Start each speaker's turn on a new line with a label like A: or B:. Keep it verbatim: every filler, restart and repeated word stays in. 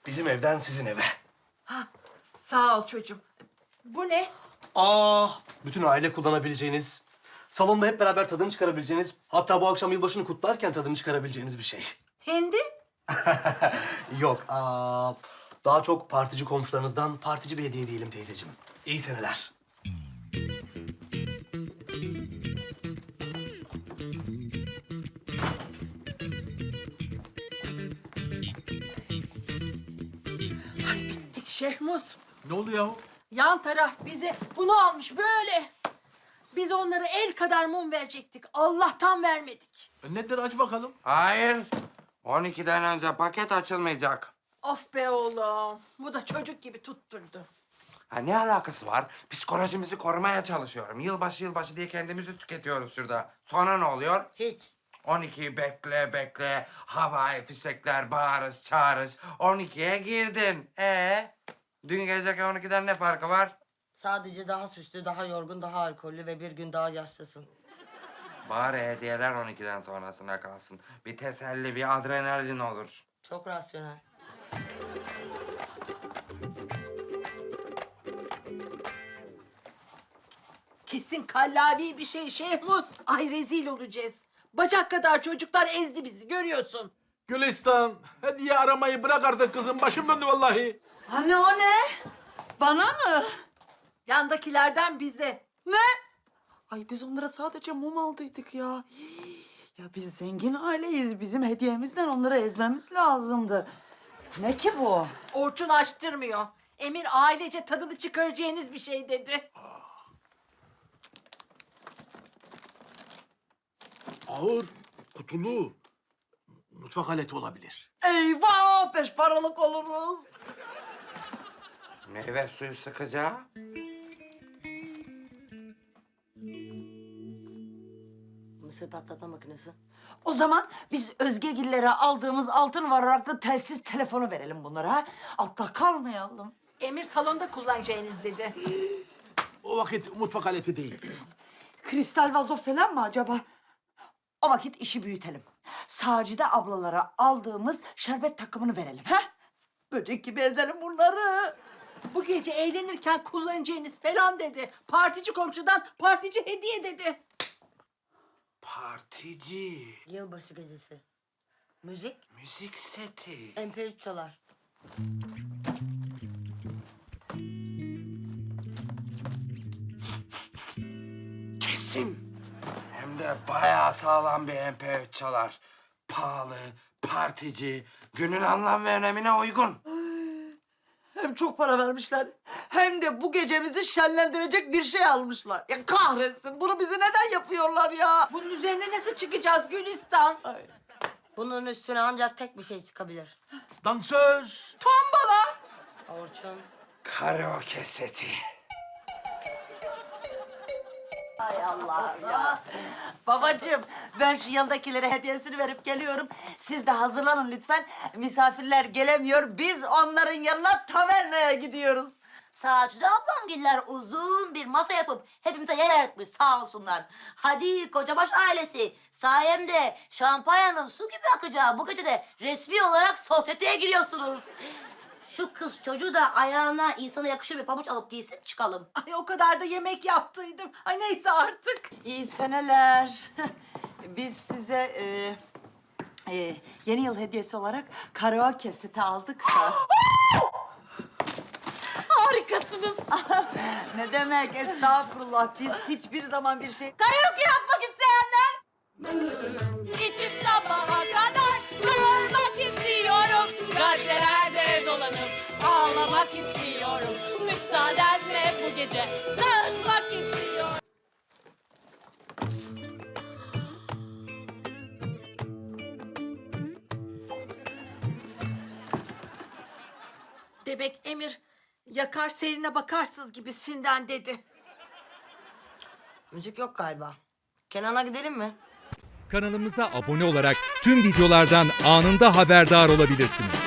A: Bizim evden sizin eve.
B: Ha, sağ ol çocuğum. Bu ne?
A: Ah, bütün aile kullanabileceğiniz, salonda hep beraber tadını çıkarabileceğiniz, hatta bu akşam yılbaşını kutlarken tadını çıkarabileceğiniz bir şey.
B: Hindi?
A: Yok, aa, daha çok partici komşularınızdan partici bir hediye diyelim teyzeciğim. İyi seneler.
B: Ay bittik Şehmuz.
C: Ne oluyor?
B: Yan taraf bize bunu almış böyle. Biz onlara el kadar mum verecektik. Allah'tan vermedik.
C: E nedir aç bakalım.
D: Hayır. on ikiden önce paket açılmayacak.
B: Of be oğlum. Bu da çocuk gibi tutturdu.
D: Ha, ne alakası var? Psikolojimizi korumaya çalışıyorum. Yılbaşı yılbaşı diye kendimizi tüketiyoruz şurada. Sonra ne oluyor?
B: Hiç.
D: on ikiyi bekle bekle. Havai fişekler bağırız çağırız. on ikiye girdin. Ee, dün geceki on ikiden ne farkı var?
E: Sadece daha süslü, daha yorgun, daha alkollü ve bir gün daha yaşlısın.
D: Bari hediyeler on ikiden sonrasına kalsın. Bir teselli, bir adrenalin olur.
E: Çok rasyonel.
B: Kesin kallavi bir şey Şehmuz. Ay rezil olacağız. Bacak kadar çocuklar ezdi bizi görüyorsun.
C: Gülistan, hediye aramayı bırak artık kızım. Başım döndü vallahi.
E: Anne o ne? Bana mı?
B: Yandakilerden bize.
E: Ne? Ay biz onlara sadece mum aldıydık ya. Ya biz zengin aileyiz. Bizim hediyemizden onları ezmemiz lazımdı. Ne ki bu?
B: Orçun açtırmıyor. Emir ailece tadını çıkaracağınız bir şey dedi.
C: Ağır, kutulu. Mutfak aleti olabilir.
E: Eyvah! Beş paralık oluruz.
D: Meyve suyu sıkacağı.
E: Mısır patlatma makinesi. O zaman biz Özgegillere aldığımız altın varaklı telsiz telefonu verelim bunlara ha. Altta kalmayalım.
B: Emir salonda kullanacağınız dedi.
C: O vakit mutfak aleti değil.
E: Kristal vazo falan mı acaba? O vakit işi büyütelim. Sacide ablalara aldığımız şerbet takımını verelim ha? Böcek gibi ezelim bunları.
B: Bu gece eğlenirken kullanacağınız falan dedi. Partici komşudan partici hediye dedi.
D: Partici.
E: Yılbaşı gecesi. Müzik,
D: Müzik seti.
E: M P üç çalar.
D: Kesin. Hem de bayağı sağlam bir M P üç çalar. Pahalı, partici, günün anlam ve önemine uygun.
E: Hem çok para vermişler, hem de bu gecemizi şenlendirecek bir şey almışlar. Ya kahretsin, bunu bize neden yapıyorlar ya?
B: Bunun üzerine nasıl çıkacağız Gülistan?
E: Bunun üstüne ancak tek bir şey çıkabilir.
C: Dansöz.
B: Tombala.
E: Orçun.
D: Karaoke seti.
E: Hay Allah ya. Babacığım, ben şu yandakilere hediyesini verip geliyorum. Siz de hazırlanın lütfen. Misafirler gelemiyor. Biz onların yanına tavernaya gidiyoruz.
F: Sacide ablamgiller uzun bir masa yapıp hepimize yer ayırtmış sağ olsunlar. Hadi Kocabaş ailesi sayemde şampanyanın su gibi akacağı bu gece de resmi olarak sosyeteye giriyorsunuz. Şu kız çocuğu da ayağına insana yakışır bir pabuç alıp giysin çıkalım.
B: Ay o kadar da yemek yaptıydım. Ay neyse artık.
E: İyi seneler. Biz size e, e, yeni yıl hediyesi olarak karaoke seti aldık da.
F: Harikasınız.
E: Ne demek, estağfurullah. Biz hiçbir zaman bir şey...
F: Karaoke yapmak isteyenler. İçip sabaha kadar kalmak istiyorum. Gazetelerde dolanıp ağlamak istiyorum. Müsaadenle bu gece dağıtmak istiyorum.
B: Demek Emir yakar serine bakarsınız gibisinden dedi.
E: Müzik yok galiba. Kenan'a gidelim mi?
G: Kanalımıza abone olarak tüm videolardan anında haberdar olabilirsiniz.